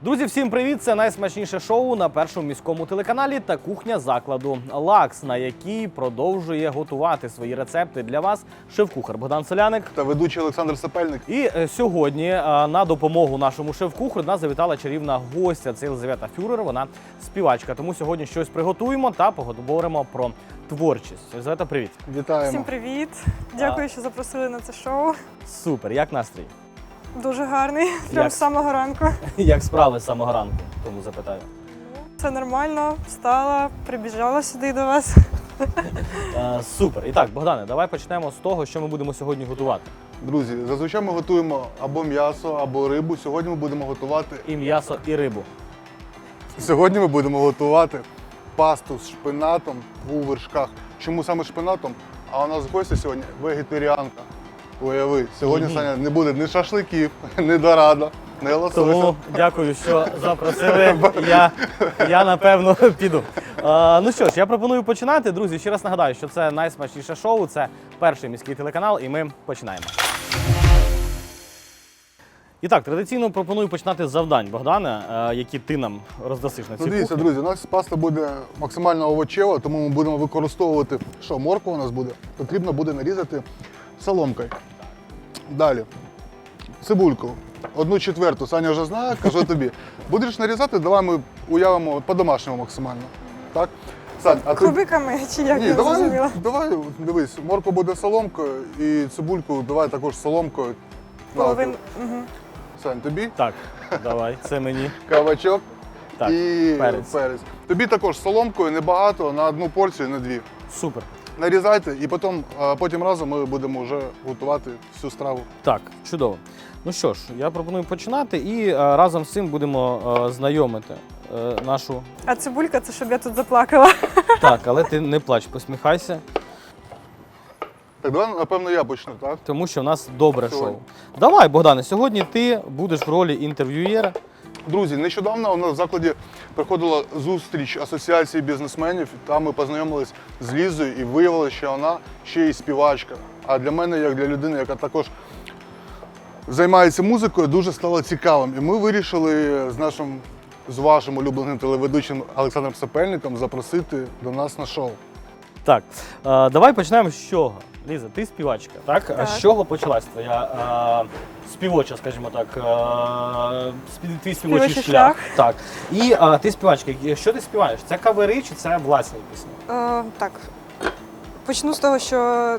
Друзі, всім привіт! Це найсмачніше шоу на першому міському телеканалі та кухня закладу «Лакс», на якій продовжує готувати свої рецепти для вас шеф-кухар Богдан Соляник та ведучий Олександр Сапельник. І сьогодні на допомогу нашому шеф-кухарю нас завітала чарівна гостя. Це Єлизавета Фюрер, вона співачка. Тому сьогодні щось приготуємо та поговоримо про творчість. Єлизавета, привіт! Вітаємо! Всім привіт! Дякую, що запросили на це шоу. Супер! Як настрій? Дуже гарний, прямо з самого ранку. Як справи з самого ранку? Тому запитаю. Все нормально, встала, прибіжала сюди до вас. Супер. І так, Богдане, давай почнемо з того, що ми будемо сьогодні готувати. Друзі, зазвичай ми готуємо або м'ясо, або рибу. Сьогодні ми будемо готувати І м'ясо, і рибу. Сьогодні ми будемо готувати пасту з шпинатом у вершках. Чому саме шпинатом? А у нас гостя сьогодні вегетаріанка. Уяви, сьогодні, Саня, не буде ні шашликів, ні дорада, ні лосося. Тому дякую, що запросили. Я напевно піду. Ну що ж, я пропоную починати. Друзі, ще раз нагадаю, що це найсмачніше шоу, це перший міський телеканал, і ми починаємо. І так, традиційно пропоную починати з завдань, Богдане, які ти нам роздасиш на цій кухні. Дивіться, друзі, у нас паста буде максимально овочева, тому ми будемо використовувати, що морква у нас буде, потрібно буде нарізати соломкою. Далі, цибульку, 1/4, Саня вже знає, кажу тобі. Будеш нарізати, давай ми уявимо по-домашньому максимально. Так? Сань, а ти... Кубиками чи як, Ні, я зрозуміла? давай, дивись, морква буде соломкою і цибульку давай також соломкою. Половин. Угу. Сань, тобі? Так, давай, це мені. Кабачок Так, і перець. Тобі також соломкою, небагато, на одну порцію, на дві. Супер. Нарізайте і потім разом ми будемо вже готувати всю страву. Так, чудово. Ну що ж, я пропоную починати і разом з цим будемо знайомити нашу... А цибулька, це щоб я тут заплакала. Так, але ти не плач, посміхайся, Так, давай, напевно, я почну, так? тому що в нас добре Сьогодні. шоу. Давай, Богдане, сьогодні ти будеш в ролі інтерв'юєра. Друзі, нещодавно у нас в закладі проходила зустріч асоціації бізнесменів. Там ми познайомились з Лізою і виявилося, що вона ще й співачка. А для мене, як для людини, яка також займається музикою, дуже стало цікавим. І ми вирішили з вашим улюбленим телеведучим Олександром Сапельником запросити до нас на шоу. Так, давай почнемо з чого. Ліза, ти співачка, так? Так. З чого почалась твоя співоча, скажімо так, твій співочий Співочий шлях? шлях. Так. І ти співачка. Що ти співаєш? Це кавери чи це власні пісні? Так, почну з того, що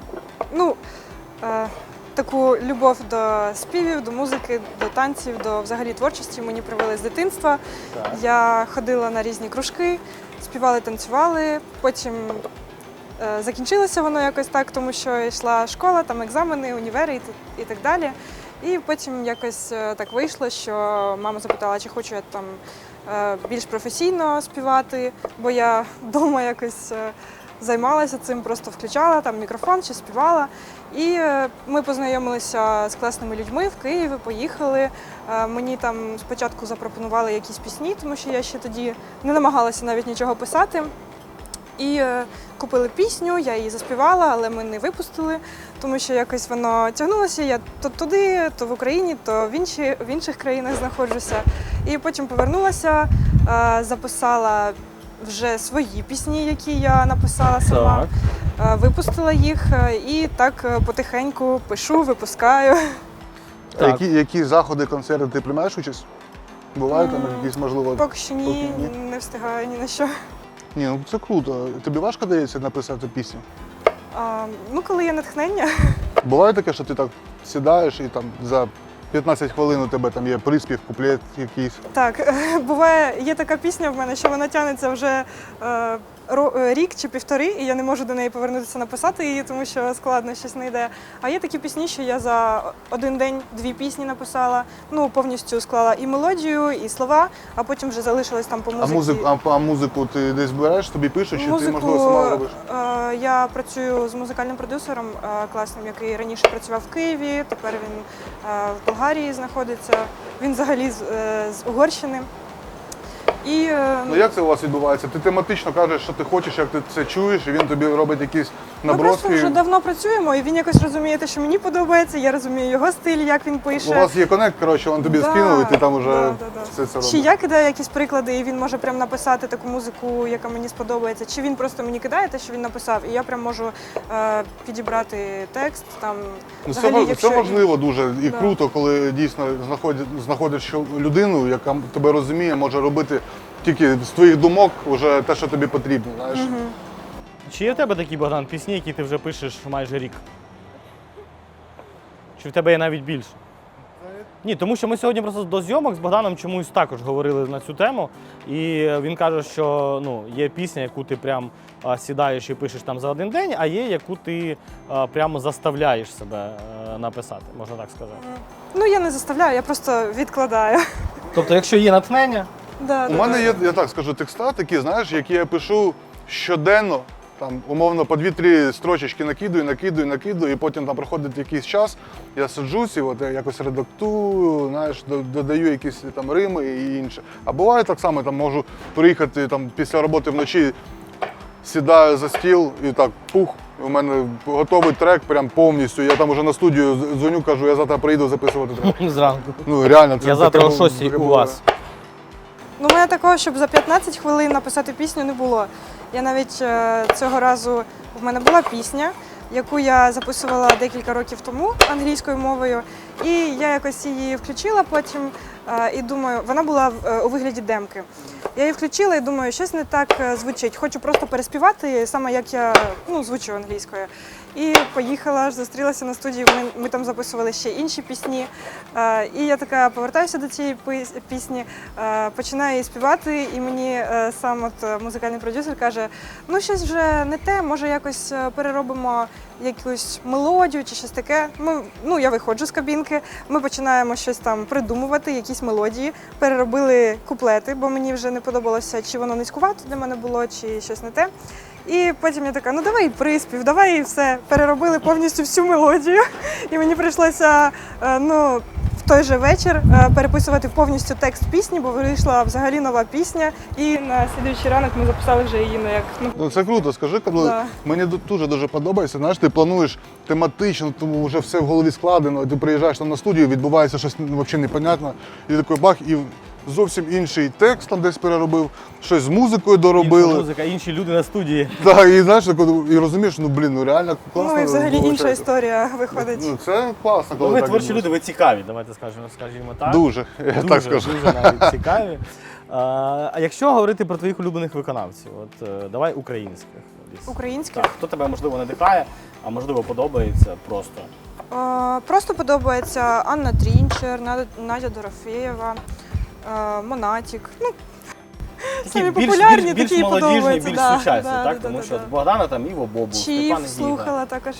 таку любов до співів, до музики, до танців, до взагалі творчості мені привели з дитинства. Так. Я ходила на різні кружки, співали, танцювали, потім закінчилося воно якось так, тому що йшла школа, там екзамени, універи і так далі. І потім якось так вийшло, що мама запитала, чи хочу я там більш професійно співати, бо я вдома якось займалася цим, просто включала там мікрофон чи співала. І ми познайомилися з класними людьми в Києві, поїхали. Мені там спочатку запропонували якісь пісні, тому що я ще тоді не намагалася навіть нічого писати. І купили пісню, я її заспівала, але ми не випустили, тому що якось воно тягнулося. Я то туди, то в Україні, то в інших країнах знаходжуся. І потім повернулася, записала вже свої пісні, які я написала сама, випустила їх і так потихеньку пишу, випускаю. Так. Які заходи, концерти ти приймаєш участь? Бувають там якісь, можливо? Поки що ні, Поки ні. не встигаю ні на що. Ні, ну це круто. Тобі важко дається написати пісню? Коли є натхнення. Буває таке, що ти так сідаєш і там за 15 хвилин у тебе там є приспів, куплет якийсь. Так, буває, є така пісня в мене, що вона тягнеться вже рік чи півтори, і я не можу до неї повернутися написати її, тому що складно, щось не йде. А є такі пісні, що я за один день 2 пісні написала, повністю склала і мелодію, і слова, а потім вже залишилось там по музиці. А музику ти десь береш, тобі пишуть, чи ти, можливо, сама робиш? Я працюю з музикальним продюсером класним, який раніше працював в Києві, тепер він в Болгарії знаходиться. Він взагалі з Угорщини. І Ну як це у вас відбувається? Ти тематично кажеш, що ти хочеш, як ти це чуєш, і він тобі робить якісь ми наброски. просто вже давно працюємо, і він якось розуміє те, що мені подобається, я розумію його стиль, як він пише. У вас є коннект, коротше, він тобі скинув, і ти там вже все це робиш. Чи я кидаю якісь приклади, і він може прям написати таку музику, яка мені сподобається, чи він просто мені кидає те, що він написав, і я прям можу підібрати текст. Там, Ну, взагалі, це якщо... важливо дуже і Да. круто, коли дійсно знаходиш людину, яка тебе розуміє, може робити тільки з твоїх думок вже те, що тобі потрібно. Знаєш? Чи є в тебе такі, Богдан, пісні, які ти вже пишеш майже рік? Чи в тебе є навіть більше? Ні, тому що ми сьогодні просто до зйомок з Богданом чомусь також говорили на цю тему. І він каже, що ну, є пісня, яку ти прям сідаєш і пишеш там за один день, а є, яку ти прямо заставляєш себе написати, можна так сказати. Ну, я не заставляю, я просто відкладаю. Тобто, якщо є натхнення, У мене є, я так скажу, текста такі, знаєш, які я пишу щоденно, там, умовно, по 2-3 строчечки накидую, і потім там проходить якийсь час, я сиджусь і от я якось редактую, знаєш, додаю якісь там рими і інше. А буває так само, там можу приїхати там, після роботи вночі, сідаю за стіл і так, пух, у мене готовий трек прям повністю. Я там уже на студію дзвоню, кажу, я завтра приїду записувати трек. зранку. Ну, реально, це Я завтра о таке 6 у було. вас. Ну, у мене такого, щоб за 15 хвилин написати пісню, не було. Я навіть цього разу, в мене була пісня, яку я записувала декілька років тому англійською мовою, і я якось її включила потім і думаю, вона була у вигляді демки. Я її включила і думаю, щось не так звучить. Хочу просто переспівати, саме як я звучу англійською. І поїхала, зустрілася на студії, ми там записували ще інші пісні. І я така повертаюся до цієї пісні, починаю її співати, і мені сам музикальний продюсер каже, ну щось вже не те, може якось переробимо якусь мелодію чи щось таке. Я виходжу з кабінки, ми починаємо щось там придумувати, якісь мелодії, переробили куплети, бо мені вже не подобалося, чи воно низькувато для мене було, чи щось не те. І потім я така, ну давай приспів, давай і все. Переробили повністю всю мелодію. І мені прийшлося в той же вечір переписувати повністю текст пісні, бо вийшла взагалі нова пісня. І на слідуючий ранок ми записали вже її як. Ну, це круто, скажи, коли мені дуже подобається, знаєш, ти плануєш тематично, тому вже все в голові складено, ти приїжджаєш там на студію, відбувається щось взагалі непонятне, і такий бах, і зовсім інший текст там десь переробив, щось з музикою доробили. Інша музика, інші люди на студії. Так, і знаєш, і розумієш, реально класно. Ну і взагалі інша виходить. історія виходить. Ну, це класно, коли Ви так творчі відбувається. люди, ви цікаві, давайте скажімо так. Дуже, я так скажу. Дуже навіть цікаві. А якщо говорити про твоїх улюблених виконавців, давай українських. Українських? Так, хто тебе, можливо, надихає, а можливо, подобається просто? Просто подобається Анна Трінчер, Надя Дорофєєва, Монатік. Самі популярні, більш такі молодіжні, подобаються. більш Да, сучасні, да, так? да, Тому да, що да. Богдана там Іво Бобу, Чіф Степан Гіга. слухала також.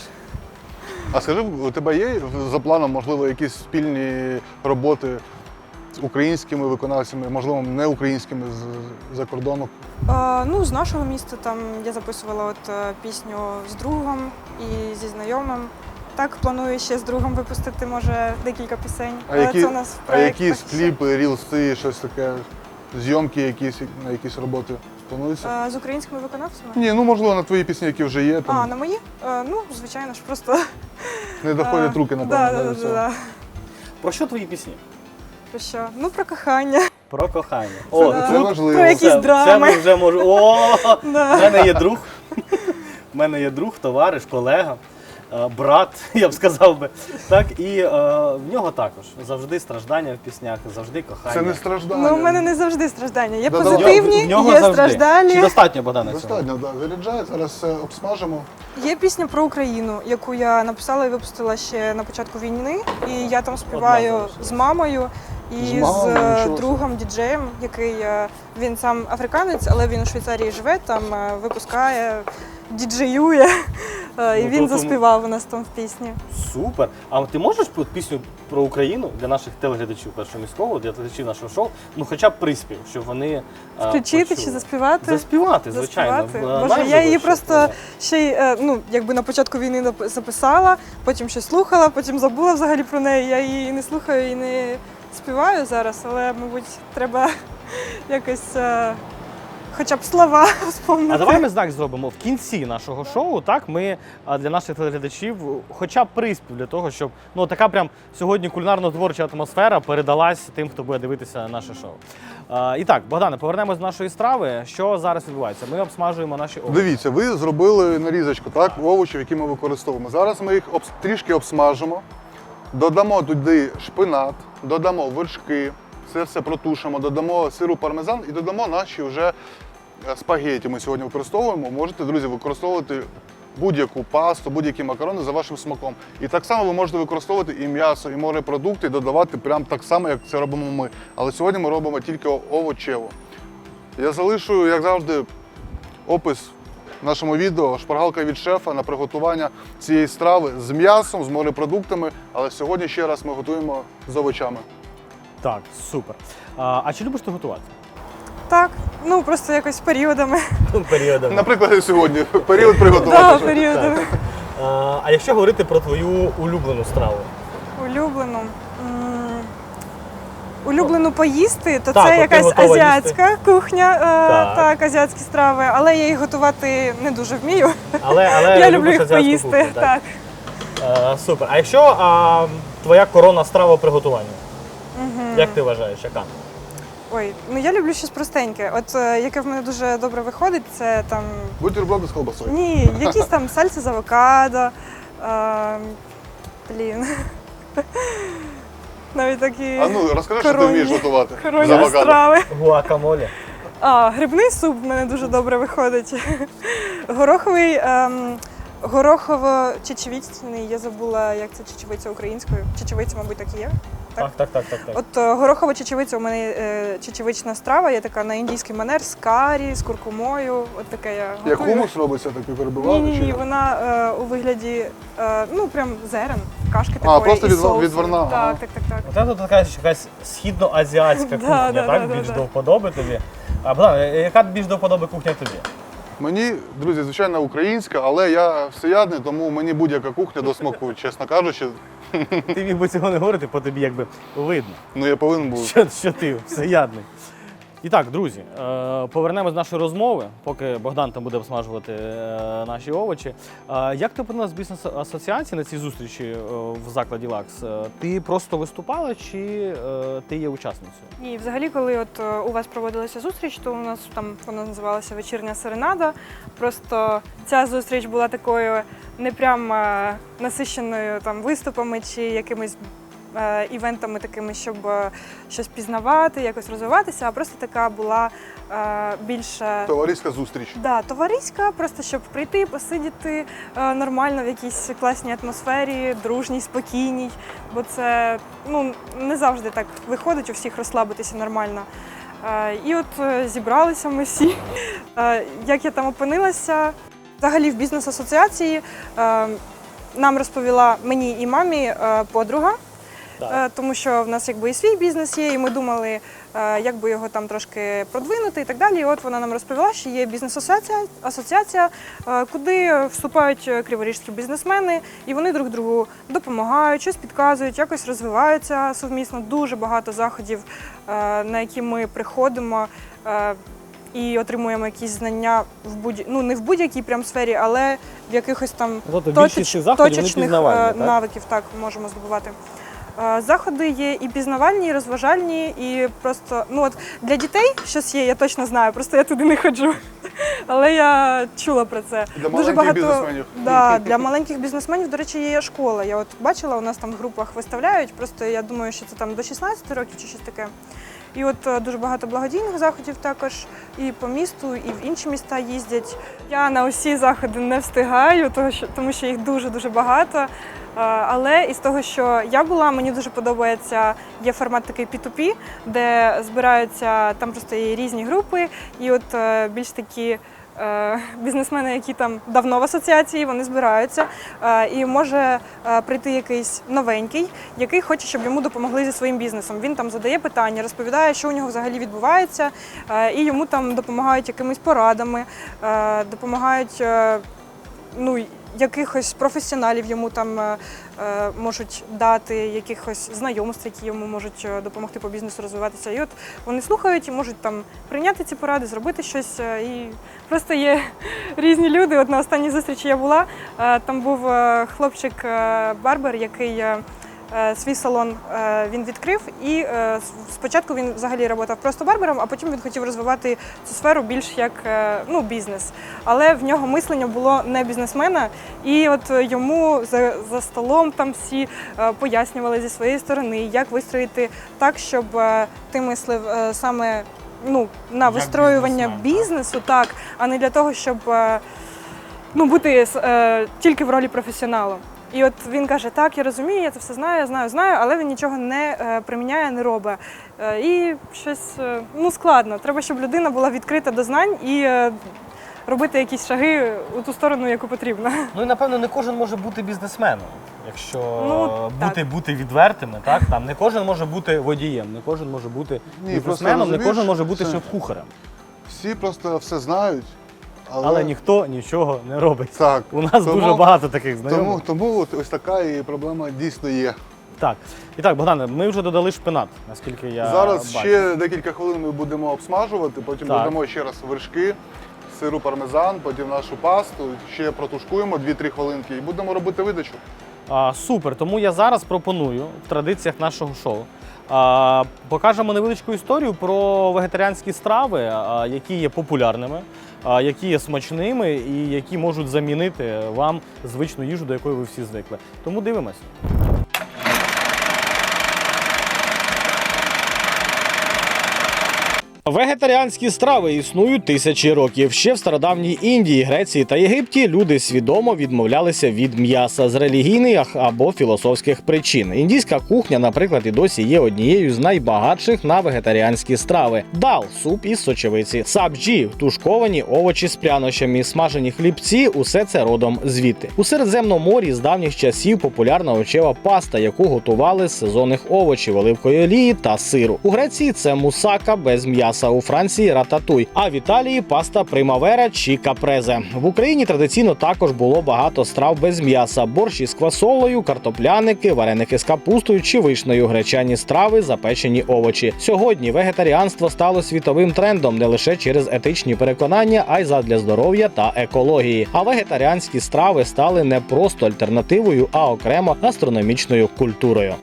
А скажи, у тебе є за планом, можливо, якісь спільні роботи з українськими виконавцями, можливо, не українськими з-за кордону? З нашого міста там я записувала пісню з другом і зі знайомим. Так, планую ще з другом випустити, може, декілька пісень. Це у нас проєкт. Якісь кліпи, рілси, щось таке, зйомки якісь, на якісь роботи плануються? З українськими виконавцями? Ні, можливо, на твої пісні, які вже є, там На мої? Звичайно ж, просто... не доходять руки, напевно. до цього. Да. Про що твої пісні? Про що? Про кохання. Про кохання. Це важливо. Про якісь драми. Це ми вже можемо. О, Да. в мене є друг. В мене є друг, товариш, колега, брат, я б сказав би. Так, і в нього також завжди страждання в піснях, завжди кохання. Це не страждання. У мене не завжди страждання. Є Да, позитивні, В нього є завжди. страждалі. Чи достатньо, Богдана, цього? Достатньо, так. Заряджає, зараз все обсмажимо. Є пісня про Україну, яку я написала і випустила ще на початку війни. І я там співаю залишилась. з мамою і З мамою, з нічого другом діджеєм, який він сам африканець, але він у Швейцарії живе, там випускає, діджеює. І він заспівав у нас там в пісні. Супер. А ти можеш пісню про Україну для наших телеглядачів Першого міського, для глядачів нашого шоу, хоча б приспів, щоб вони Включити почули? чи заспівати? Заспівати, звичайно. Боже, Маєш я її щось, просто ще й на початку війни записала, потім щось слухала, потім забула взагалі про неї. Я її не слухаю і не співаю зараз, але, мабуть, треба якось хоча б слова вспомнити. А давай ми знак зробимо в кінці нашого шоу. Так, ми для наших телеглядачів хоча б приспів для того, щоб така прям сьогодні кулінарно-творча атмосфера передалась тим, хто буде дивитися наше шоу. І так, Богдане, повернемось до нашої страви. Що зараз відбувається? Ми обсмажуємо наші овочі. Дивіться, ви зробили нарізочку, так, овочів, які ми використовуємо. Зараз ми їх трішки обсмажимо, додамо туди шпинат, додамо вершки, це все протушимо, додамо сиру пармезан і додамо наші вже спагеті. Ми сьогодні використовуємо. Можете, друзі, використовувати будь-яку пасту, будь-які макарони за вашим смаком. І так само ви можете використовувати і м'ясо, і морепродукти, і додавати прямо так само, як це робимо ми. Але сьогодні ми робимо тільки овочево. Я залишу, як завжди, опис в нашому відео, шпаргалка від шефа на приготування цієї страви з м'ясом, з морепродуктами, але сьогодні ще раз ми готуємо з овочами. Так, супер. А чи любиш ти готувати? Так, просто якось періодами. Періодами. Наприклад, сьогодні період приготування. Так, періодами. А якщо говорити про твою улюблену страву? Улюблену. Улюблену поїсти, то Так, це от ти якась готова азіатська кухня, Так. так, азіатські страви, але я їх готувати не дуже вмію. Але Я люблю любиш їх азіатську поїсти. кухню, Так. Супер. А якщо твоя коронна страва приготування? Як ти вважаєш, яка? Ой, я люблю щось простеньке. От яке в мене дуже добре виходить, це там Бутерброди з колбасою. ні, якісь там сальси з авокадо. Навіть такі А ну, розкажи, що ти коронні- вмієш готувати з коронні авокадо. страви. Гуакамоле. Грибний суп в мене дуже добре виходить. Гороховий, горохово-чечевичний, я забула, як це чечевиця українською. Чечевиця, мабуть, так і є. Так. От горохова чечевиця у мене чечевична страва, є така на індійський манер з карі, з куркумою. От таке я Як готую. хумус робиться, так і перебивати? Ні, вона у вигляді прям зерен, кашки такої. просто і від соусу. зерна, ага. Так. Оце тут така якась східноазіатська кухня, Да, так? да, Більш да. до вподоби тобі. А Богдан, яка більш до вподоби кухня тобі? Мені, друзі, звичайно, українська, але я всеядний, тому мені будь-яка кухня до смаку, чесно кажучи. Ти міг би цього не говорити, по тобі якби видно, Я повинен був. що ти всеядний. І так, друзі, повернемось до нашої розмови, поки Богдан там буде обсмажувати наші овочі. Як ти опинилась в бізнес-асоціації на цій зустрічі в закладі «Лакс»? Ти просто виступала чи ти є учасницею? Ні, взагалі, коли у вас проводилася зустріч, то у нас там вона називалася «Вечірня серенада». Просто ця зустріч була такою не прям насиченою там виступами чи якимись івентами такими, щоб щось пізнавати, якось розвиватися, а просто така була більше Товариська зустріч. товариська, просто щоб прийти, посидіти нормально в якійсь класній атмосфері, дружній, спокійній, бо це не завжди так виходить у всіх розслабитися нормально. І от зібралися ми всі. Як я там опинилася, взагалі в бізнес-асоціації нам розповіла мені і мамі подруга. Тому що в нас якби і свій бізнес є, і ми думали, як би його там трошки продвинути і так далі. І от вона нам розповіла, що є бізнес-асоціація, куди вступають криворіжські бізнесмени, і вони друг другу допомагають, щось підказують, якось розвиваються совмісно. Дуже багато заходів, на які ми приходимо і отримуємо якісь знання не в будь-якій прям сфері, але в якихось там точечних навиків так можемо здобувати. Заходи є і пізнавальні, і розважальні, і просто для дітей щось є, я точно знаю, просто я туди не ходжу. Але я чула про це. Для маленьких бізнесменів. Да, для маленьких бізнесменів, до речі, є школа. Я от бачила, у нас там в групах виставляють, просто я думаю, що це там до 16 років чи щось таке. І от дуже багато благодійних заходів також і по місту, і в інші міста їздять. Я на усі заходи не встигаю, тому що їх дуже-дуже багато. Але із того, що я була, мені дуже подобається, є формат такий P2P, де збираються, там просто є різні групи, і от більш такі бізнесмени, які там давно в асоціації, вони збираються, і може прийти якийсь новенький, який хоче, щоб йому допомогли зі своїм бізнесом. Він там задає питання, розповідає, що у нього взагалі відбувається, і йому там допомагають якимись порадами, допомагають якихось професіоналів йому там можуть дати, якихось знайомств, які йому можуть допомогти по бізнесу розвиватися. І от вони слухають і можуть там прийняти ці поради, зробити щось. І просто є різні люди. От на останній зустрічі я була, там був хлопчик-барбер, який свій салон він відкрив, і спочатку він взагалі працював просто барбером, а потім він хотів розвивати цю сферу більш як бізнес. Але в нього мислення було не бізнесмена, і от йому за столом там всі пояснювали зі своєї сторони, як вистроїти так, щоб ти мислив саме на вистроювання бізнесу, так, а не для того, щоб бути тільки в ролі професіоналу. І от він каже, так, я розумію, я це все знаю, але він нічого не приміняє, не робить. І щось складно. Треба, щоб людина була відкрита до знань і робити якісь шаги у ту сторону, яку потрібно. Ну і напевно не кожен може бути бізнесменом, якщо бути відвертими, так? Там не кожен може бути водієм, не кожен може бути бізнесменом, не кожен може бути шеф-кухарем. Всі просто все знають. Але ніхто нічого не робить. Так. У нас дуже багато таких знайомих. Тому ось така і проблема дійсно є. Так. І так, Богдане, ми вже додали шпинат, наскільки я Зараз бачу. ще декілька хвилин ми будемо обсмажувати, потім додамо ще раз вершки, сиру пармезан, потім нашу пасту, ще протушкуємо 2-3 хвилинки і будемо робити видачу. Супер, тому я зараз пропоную в традиціях нашого шоу покажемо невеличку історію про вегетаріанські страви, які є популярними, які є смачними і які можуть замінити вам звичну їжу, до якої ви всі звикли. Тому дивимось. Вегетаріанські страви існують тисячі років. Ще в стародавній Індії, Греції та Єгипті люди свідомо відмовлялися від м'яса з релігійних або філософських причин. Індійська кухня, наприклад, і досі є однією з найбагатших на вегетаріанські страви. Дал – суп із сочевиці, сабджі – тушковані овочі з прянощами, смажені хлібці – усе це родом звідти. У Середземному морі з давніх часів популярна овочева паста, яку готували з сезонних овочів, оливкової олії та сиру. У Греції це мусака без м'яса. У Франції – рататуй, а в Італії – паста примавера чи капрезе. В Україні традиційно також було багато страв без м'яса – борщ із квасолею, картопляники, вареники з капустою чи вишнею, гречані страви, запечені овочі. Сьогодні вегетаріанство стало світовим трендом не лише через етичні переконання, а й задля здоров'я та екології. А вегетаріанські страви стали не просто альтернативою, а окремо гастрономічною культурою.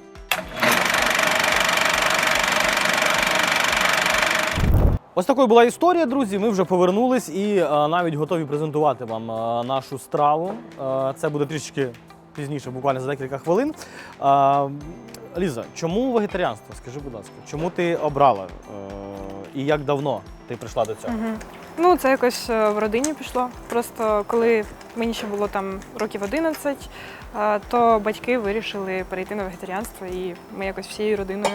Ось такою була історія, друзі. Ми вже повернулись і навіть готові презентувати вам нашу страву. Це буде трішки пізніше, буквально за декілька хвилин. Ліза, чому вегетаріанство? Скажи, будь ласка, чому ти обрала і як давно ти прийшла до цього? Це якось в родині пішло. Просто коли мені ще було там років 11, то батьки вирішили перейти на вегетаріанство, і ми якось всією родиною.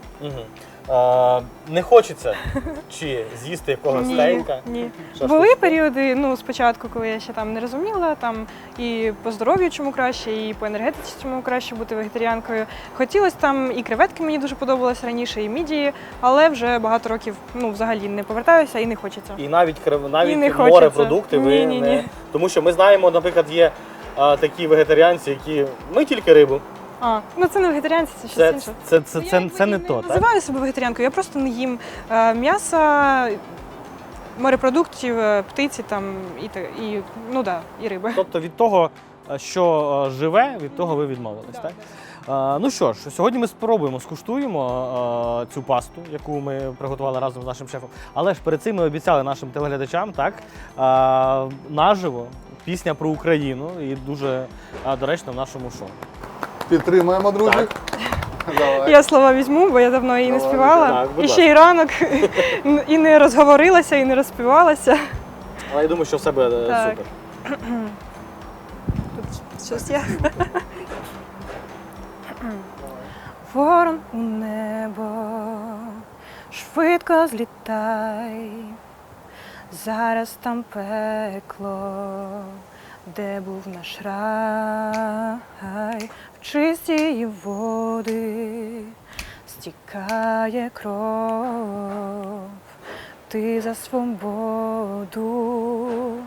Не хочеться чи з'їсти якогось стейка? Ні. Були періоди, спочатку, коли я ще там не розуміла, там і по здоров'ю чому краще, і по енергетиці чому краще бути вегетаріанкою. Хотілося там і креветки мені дуже подобалися раніше, і мідії, але вже багато років взагалі не повертаюся і не хочеться. І навіть не морепродукти ви ні. не... Тому що ми знаємо, наприклад, є такі вегетаріанці, які ми тільки рибу. Це не вегетаріанці, це щось інше. Це не то, Я так? називаю себе вегетаріанкою, я просто не їм м'яса, морепродуктів, птиці там і риби. Тобто від того, що живе, від того ви відмовились, так? Ну що ж, сьогодні ми скуштуємо цю пасту, яку ми приготували разом з нашим шефом. Але ж перед цим ми обіцяли нашим телеглядачам, так, наживо, пісня про Україну і дуже доречно в нашому шоу. Підтримаємо, друзі. Давай. Я слова візьму, бо я давно її не співала. Так, і ще й ранок, і не розговорилася, і не розспівалася. Але я думаю, що все буде супер. Тут щось є. Ворон у небо, швидко злітай, зараз там пекло, де був наш рай, в чисті води стікає кров, ти за свободу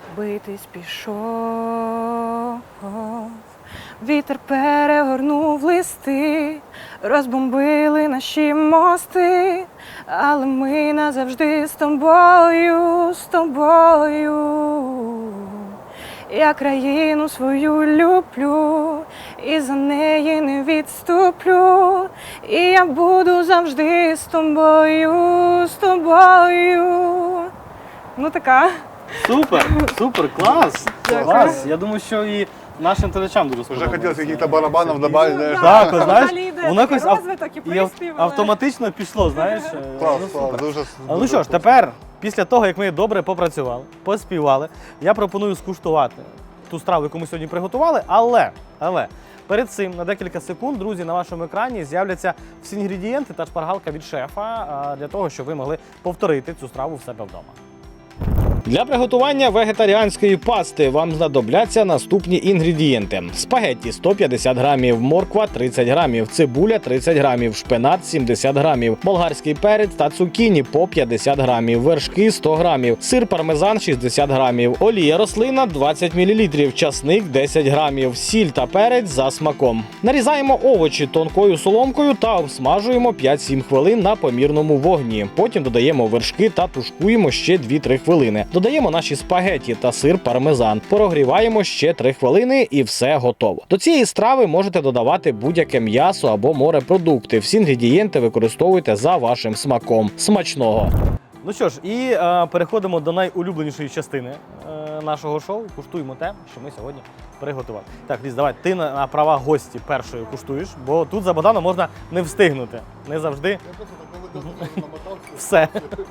битись пішов. Вітер перегорнув листи, розбомбили наші мости, але ми назавжди з тобою, з тобою. Я країну свою люблю, і за неї не відступлю, і я буду завжди з тобою, з тобою. Ну така. Супер, супер, клас! Дякую. Клас! Я думаю, що і нашим телечам дуже Уже сподобається. хотілося яких-то барабанів додати, знаєш. Так, от, знаєш, Взагалі йде воно якось розвиток і і приспів, але- автоматично пішло, знаєш. Клас, Ну, клас, супер. дуже. Ну що ж, тепер, після того, як ми добре попрацювали, поспівали, я пропоную скуштувати ту страву, яку ми сьогодні приготували, але перед цим на декілька секунд, друзі, на вашому екрані з'являться всі інгредієнти та шпаргалка від шефа для того, щоб ви могли повторити цю страву в себе вдома. Для приготування вегетаріанської пасти вам знадобляться наступні інгредієнти: спагетті 150 грамів, морква 30 грамів, цибуля 30 грамів, шпинат 70 грамів, болгарський перець та цукіні по 50 грамів, вершки 100 грамів, сир пармезан 60 грамів, олія рослина 20 мл, часник 10 грамів, сіль та перець за смаком. Нарізаємо овочі тонкою соломкою та обсмажуємо 5-7 хвилин на помірному вогні. Потім додаємо вершки та тушкуємо ще 2-3 хвилини. Додаємо наші спагеті та сир пармезан. Прогріваємо ще 3 хвилини і все готово. До цієї страви можете додавати будь-яке м'ясо або морепродукти. Всі інгредієнти використовуйте за вашим смаком. Смачного! Ну що ж, і переходимо до найулюбленішої частини нашого шоу. Куштуємо те, що ми сьогодні приготували. Так, Ліз, давай, ти на права гості першою куштуєш, бо тут за Богданом можна не встигнути. Не завжди Я просто так не намотався. все.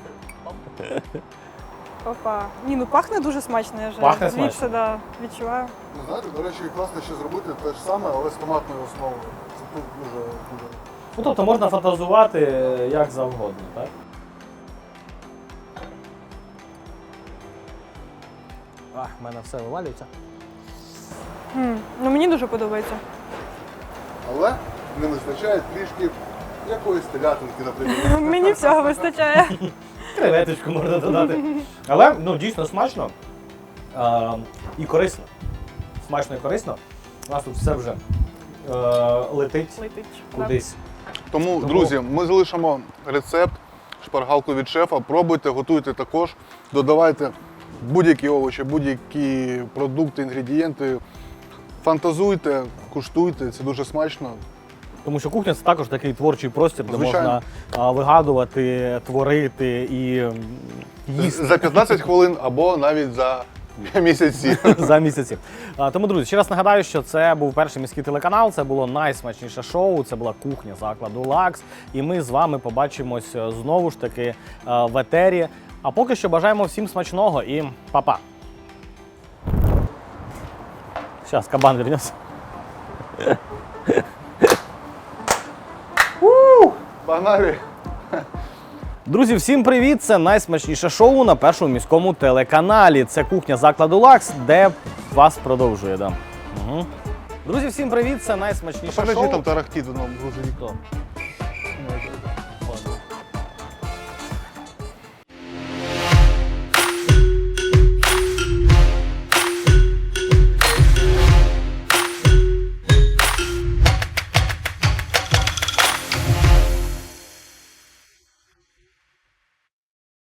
Опа. Ні, ну пахне дуже смачно, я вже Пахне звідси смачно. да, відчуваю. Ну, знаєте, до речі, класно ще зробити те ж саме, але з томатною основою. Це тут дуже. Ну, тобто можна фантазувати як завгодно, так? В мене все вивалюється. Ну мені дуже подобається. Але не вистачає трішки якоїсь телятинки, наприклад. Мені всього вистачає. Креветочку можна додати. Але ну, дійсно смачно і корисно. Смачно і корисно. У нас тут все вже летить Летить. кудись. Тому, друзі, ми залишимо рецепт, шпаргалку від шефа. Пробуйте, готуйте також. Додавайте будь-які овочі, будь-які продукти, інгредієнти. Фантазуйте, куштуйте, це дуже смачно. Тому що кухня це також такий творчий простір, де Звичайно. можна вигадувати, творити і їсти. За 15 хвилин або навіть за місяці. За місяці. Тому, друзі, ще раз нагадаю, що це був перший міський телеканал, це було найсмачніше шоу, це була кухня закладу Лакс. І ми з вами побачимось знову ж таки в етері. А поки що бажаємо всім смачного і па-па. Зараз кабан вернеться. Погнали! Друзі, всім привіт! Це найсмачніше шоу на першому міському телеканалі. Це кухня закладу Лакс, де вас продовжує. Да. Угу. Друзі, всім привіт! Це найсмачніше Подожди, шоу. там тарахтить в одному грузовику. Хто?